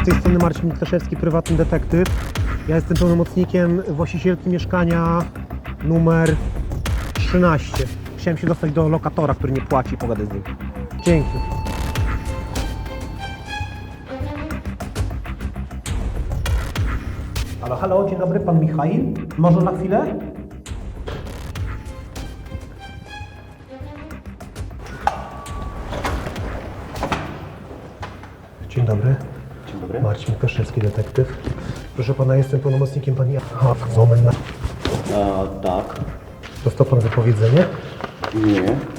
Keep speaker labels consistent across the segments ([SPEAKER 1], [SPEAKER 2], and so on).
[SPEAKER 1] Z tej strony Marcin Mikleszewski, prywatny detektyw. Ja jestem pełnomocnikiem właścicielki mieszkania numer 13. Chciałem się dostać do lokatora, który nie płaci, pogadę z nim. Dzięki. Halo, halo, dzień dobry, pan Michał. Może na chwilę? Dzień dobry.
[SPEAKER 2] Dzień dobry.
[SPEAKER 1] Marcin Mikleszewski, detektyw. Proszę pana, jestem pełnomocnikiem pani... Aha, moment.
[SPEAKER 2] Tak.
[SPEAKER 1] Dostał pan wypowiedzenie?
[SPEAKER 2] Nie.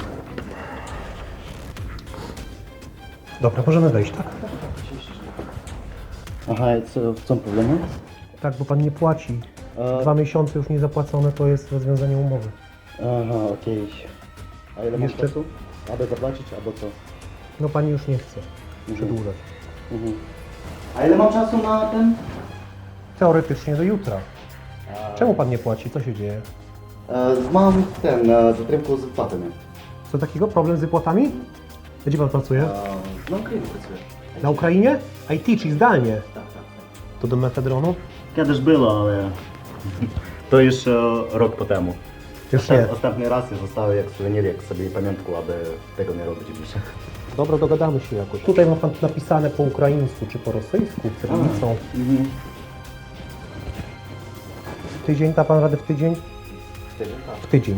[SPEAKER 1] Dobra, możemy wejść, tak?
[SPEAKER 2] Aha, co, w czym problem?
[SPEAKER 1] Tak, bo pan nie płaci. 2 miesiące już nie zapłacone, to jest rozwiązanie umowy.
[SPEAKER 2] Aha, okej. A ile mam
[SPEAKER 1] Jeszcze-
[SPEAKER 2] czasu? Aby zapłacić, albo co?
[SPEAKER 1] No pani już nie chce przedłużać.
[SPEAKER 2] Mhm. A ile mam czasu na ten?
[SPEAKER 1] Teoretycznie do jutra. Czemu pan nie płaci? Co się dzieje?
[SPEAKER 2] Mam ten, zatrymku z wypłatami.
[SPEAKER 1] Co takiego? Problem z wypłatami? Gdzie pan pracuje?
[SPEAKER 2] Na Ukrainie pracuję.
[SPEAKER 1] Na Ukrainie? IT, czyli zdalnie.
[SPEAKER 2] Tak, tak, tak.
[SPEAKER 1] To do mefedronu?
[SPEAKER 2] Kiedyś było, ale to już rok po temu.
[SPEAKER 1] Już nie.
[SPEAKER 2] Ostatni raz już zostało jak suwenir, jak sobie pamiątku, aby tego nie robić više.
[SPEAKER 1] Dobra, dogadamy się jakoś. Tutaj ma pan napisane po ukraińsku czy po rosyjsku, cyrylicą.
[SPEAKER 2] Mhm.
[SPEAKER 1] Tydzień, da pan radę w tydzień?
[SPEAKER 2] Wtedy tak.
[SPEAKER 1] W tydzień.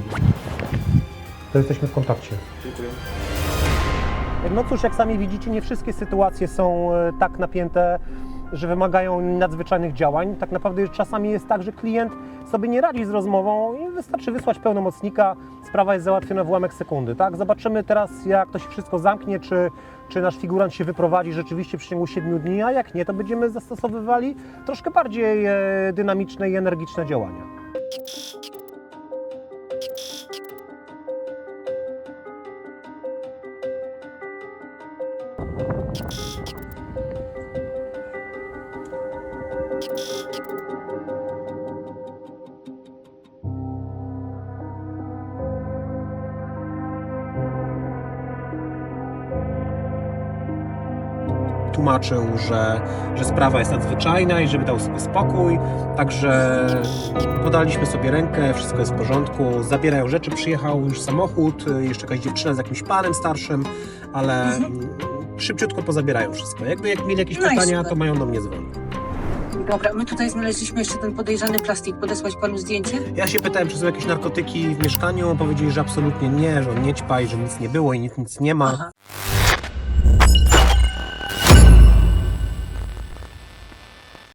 [SPEAKER 1] To jesteśmy w kontakcie.
[SPEAKER 2] Dziękuję.
[SPEAKER 1] No cóż, jak sami widzicie, nie wszystkie sytuacje są tak napięte, że wymagają nadzwyczajnych działań. Tak naprawdę czasami jest tak, że klient sobie nie radzi z rozmową i wystarczy wysłać pełnomocnika, sprawa jest załatwiona w ułamek sekundy. Tak? Zobaczymy teraz, jak to się wszystko zamknie, czy nasz figurant się wyprowadzi rzeczywiście w przeciągu 7 dni, a jak nie, to będziemy zastosowywali troszkę bardziej dynamiczne i energiczne działania. Tłumaczył, że sprawa jest nadzwyczajna i żeby dał sobie spokój, także podaliśmy sobie rękę, wszystko jest w porządku, zabierają rzeczy, przyjechał już samochód, jeszcze jakaś dziewczyna z jakimś panem starszym, ale szybciutko pozabierają wszystko. Jak mieli jakieś
[SPEAKER 3] No i
[SPEAKER 1] pytania,
[SPEAKER 3] super.
[SPEAKER 1] to mają do mnie dzwonić.
[SPEAKER 3] Dobra, my tutaj znaleźliśmy jeszcze ten podejrzany plastik. Podesłać panu zdjęcie?
[SPEAKER 1] Ja się pytałem, czy są jakieś narkotyki w mieszkaniu, powiedzieli, że absolutnie nie, że on nie ćpa i że nic nie było i nic nie ma.
[SPEAKER 3] Aha.